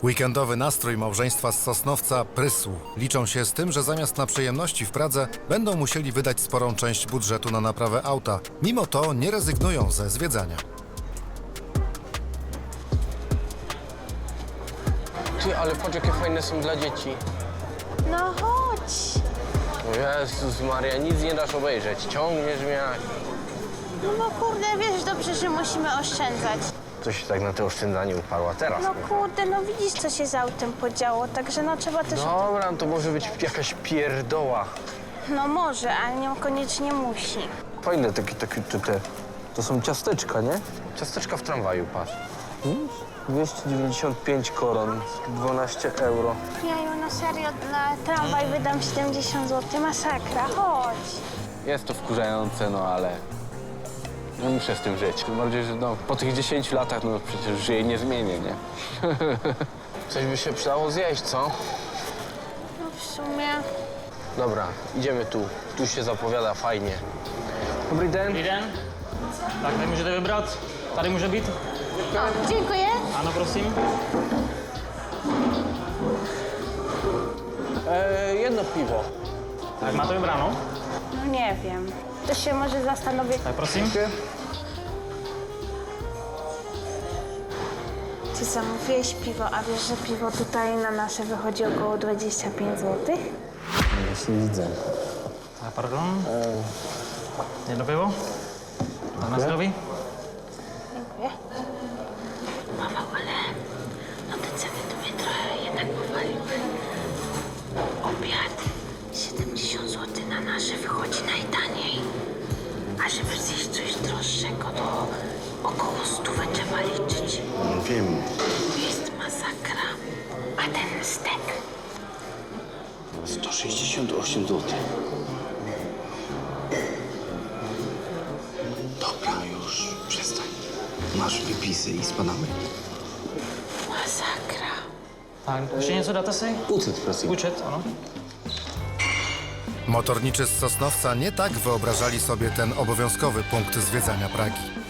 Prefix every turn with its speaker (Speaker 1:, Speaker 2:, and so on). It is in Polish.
Speaker 1: Weekendowy nastrój małżeństwa z Sosnowca prysł. Liczą się z tym, że zamiast na przyjemności w Pradze będą musieli wydać sporą część budżetu na naprawę auta. Mimo to nie rezygnują ze zwiedzania.
Speaker 2: Ty, ale patrz, jakie fajne są dla dzieci.
Speaker 3: No chodź.
Speaker 2: O Jezus Maria, nic nie dasz obejrzeć. Ciągniesz mnie jak...
Speaker 3: No kurde, wiesz dobrze, że musimy oszczędzać.
Speaker 2: To się tak na te oszczędzanie uparła teraz.
Speaker 3: No kurde, no widzisz, co się z autem podziało, także no trzeba też...
Speaker 2: Dobra, to może być jakaś pierdoła.
Speaker 3: No może, ale niekoniecznie musi.
Speaker 2: Fajne te. To są ciasteczka, nie? Ciasteczka w tramwaju, patrz. 295 koron, 12 euro.
Speaker 3: Ja na serio na tramwaj wydam 70 zł, masakra, chodź.
Speaker 4: Jest to wkurzające, no ale no muszę z tym żyć. Tym bardziej, że no, po tych 10 latach no przecież żyję nie zmienię, nie?
Speaker 2: Coś by się przydało zjeść, co?
Speaker 3: No w sumie...
Speaker 2: Dobra, idziemy tu. Tu się zapowiada fajnie. Dobry den.
Speaker 5: Den. Tak, tady můžete vybrat. Tady může být.
Speaker 3: O, dziękuję.
Speaker 5: Ano, prosím.
Speaker 2: Jedno piwo.
Speaker 5: Tak, máte vybráno?
Speaker 3: No nie wiem, to się może zastanowię.
Speaker 5: Tak, prosím.
Speaker 3: Ty zamówiłeś piwo, a wiesz, że piwo tutaj na nasze wychodzi około 25 zł?
Speaker 2: Jeśli widzę.
Speaker 5: Tak, pardon. Jedno pivo. Na zdraví.
Speaker 3: Dziękuję. Paweł, ale no te ceny to mnie trochę jednak powaliły. Obiad 70 zł na nasze wychodzi najtaniej. A żeby zjeść coś droższego, to około 100 trzeba liczyć.
Speaker 6: Wiem,
Speaker 3: Jest masakra. A ten stek?
Speaker 6: 168 zł. Dobra, już przestań. Masz wypisy i spadamy.
Speaker 3: Masakra.
Speaker 5: Tak, ještě něco dáte si?
Speaker 6: Ucet, prosím.
Speaker 5: Účet, ano.
Speaker 1: Motorniczy z Sosnowca nie tak wyobrażali sobie ten obowiązkowy punkt zwiedzania Pragi.